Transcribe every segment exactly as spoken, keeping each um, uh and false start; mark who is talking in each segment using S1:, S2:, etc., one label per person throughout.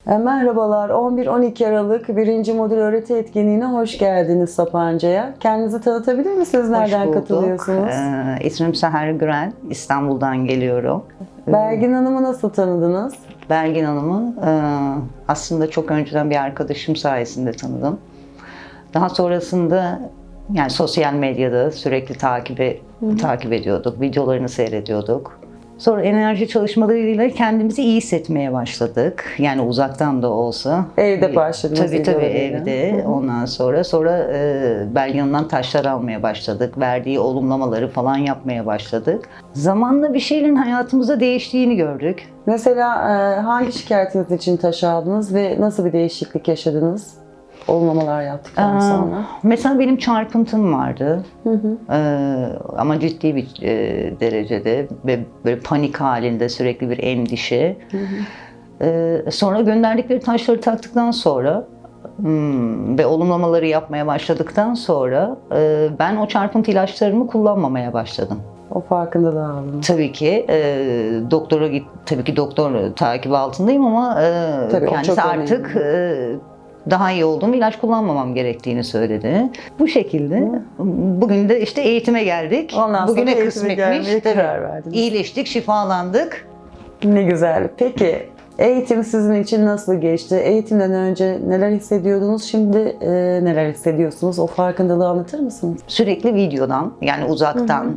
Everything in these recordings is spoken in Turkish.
S1: E, Merhabalar, on bir on iki Aralık birinci modül öğreti etkinliğine hoş geldiniz Sapanca'ya. Kendinizi tanıtabilir misiniz? Nereden
S2: Hoş bulduk.
S1: katılıyorsunuz?
S2: Ee, ismim Seher Gürel, İstanbul'dan geliyorum.
S1: Belgin Hanım'ı nasıl tanıdınız?
S2: Belgin Hanım'ı e, aslında çok önceden bir arkadaşım sayesinde tanıdım. Daha sonrasında yani sosyal medyada sürekli takibi, takip ediyorduk, videolarını seyrediyorduk. Sonra enerji çalışmalarıyla kendimizi iyi hissetmeye başladık. Yani uzaktan da olsa.
S1: Evde başladınız.
S2: Tabii tabii
S1: videolarıyla.
S2: evde. Ondan sonra sonra e, Belgin Hanım'dan taşlar almaya başladık. Verdiği olumlamaları falan yapmaya başladık. Zamanla bir şeylerin hayatımızda değiştiğini gördük.
S1: Mesela e, hangi şikayetiniz için taş aldınız ve nasıl bir değişiklik yaşadınız? Olumlamalar yaptıktan
S2: Aa,
S1: sonra.
S2: Mesela benim çarpıntım vardı.
S1: Hı hı.
S2: Ee, ama ciddi bir e, derecede ve böyle panik halinde sürekli bir endişe.
S1: Hı hı.
S2: Ee, sonra gönderdikleri taşları taktıktan sonra hmm, ve olumlamaları yapmaya başladıktan sonra e, ben o çarpıntı ilaçlarımı kullanmamaya başladım.
S1: O farkındalığı aldınız.
S2: Tabii ki e, doktora git, tabii ki doktor takibi altındayım ama e,
S1: Tabii, o
S2: kendisi
S1: çok
S2: artık e, daha iyi olduğum ilaç kullanmamam gerektiğini söyledi. Bu şekilde
S1: Hı.
S2: bugün de işte eğitime geldik.
S1: Ondan sonra
S2: Bugüne
S1: eğitime gelmeye
S2: kısmetmiş.
S1: karar verdiniz.
S2: İyileştik, şifalandık.
S1: Ne güzel. Peki eğitim sizin için nasıl geçti? Eğitimden önce neler hissediyordunuz? Şimdi e, neler hissediyorsunuz? O farkındalığı anlatır mısınız?
S2: Sürekli videodan yani uzaktan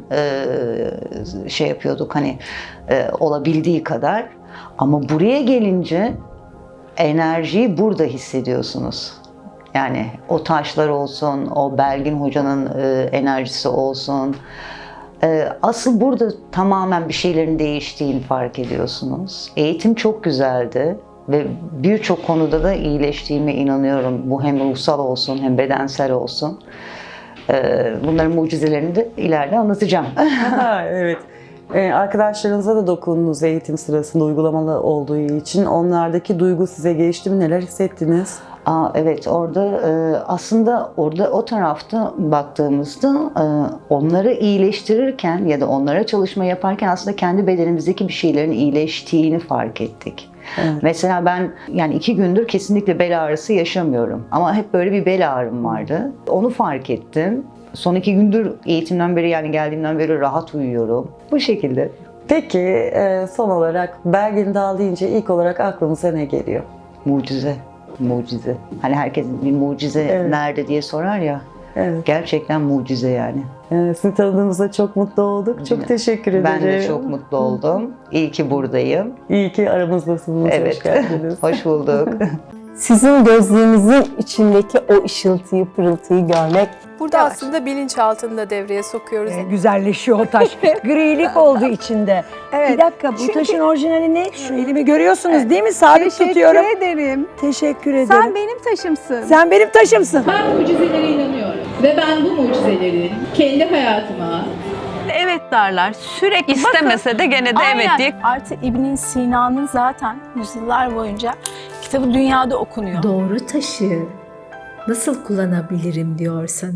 S2: e, şey yapıyorduk hani e, olabildiği kadar. Ama buraya gelince enerjiyi burada hissediyorsunuz. Yani o taşlar olsun, o Belgin Hoca'nın e, enerjisi olsun. E, asıl burada tamamen bir şeylerin değiştiğini fark ediyorsunuz. Eğitim çok güzeldi ve birçok konuda da iyileştiğime inanıyorum. Bu hem ruhsal olsun hem bedensel olsun. E, bunların mucizelerini de ileride anlatacağım.
S1: Ha, evet. Ee, arkadaşlarınıza da dokundunuz eğitim sırasında uygulamalı olduğu için. Onlardaki duygu size geçti mi? Neler hissettiniz?
S2: Aa, evet orada e, aslında orada o tarafta baktığımızda e, onları iyileştirirken ya da onlara çalışma yaparken aslında kendi bedenimizdeki bir şeylerin iyileştiğini fark ettik.
S1: Evet.
S2: Mesela ben yani iki gündür kesinlikle bel ağrısı yaşamıyorum ama hep böyle bir bel ağrım vardı. Onu fark ettim. Son iki gündür eğitimden beri yani geldiğimden beri rahat uyuyorum. Bu şekilde.
S1: Peki e, son olarak Belgin Dağ deyince ilk olarak aklınıza ne geliyor?
S2: Mucize. Mucize. Hani herkes bir mucize
S1: Evet.
S2: nerede diye sorar ya.
S1: Evet.
S2: Gerçekten mucize yani.
S1: Ee, sizi tanıdığımızda çok mutlu olduk. Çok teşekkür ederim.
S2: Ben de çok mutlu oldum. İyi ki buradayım.
S1: İyi ki aramızdasınız.
S2: Evet.
S1: Hoş geldiniz.
S2: Hoş bulduk.
S3: Sizin gözlüğünüzün içindeki o ışıltıyı, pırıltıyı görmek.
S4: Burada
S3: Yavaş.
S4: aslında bilinçaltını da devreye sokuyoruz.
S5: Ee, güzelleşiyor o taş. Grilik oldu içinde.
S4: Evet.
S5: Bir dakika bu
S4: Çünkü-
S5: taşın orijinali ne? Şu elimi görüyorsunuz değil mi? Sabit tutuyorum.
S4: Teşekkür ederim.
S5: Teşekkür ederim.
S4: Sen benim taşımsın.
S5: Sen benim taşımsın.
S6: Ben mucizelere inanıyorum ve ben bu mucizelerin kendi hayatıma
S7: Evet derler. Sürekli istemese de gene de evet diye.
S8: Artı İbn Sina'nın zaten yüzyıllar boyunca kitabı dünyada okunuyor.
S9: Doğru taşı nasıl kullanabilirim diyorsan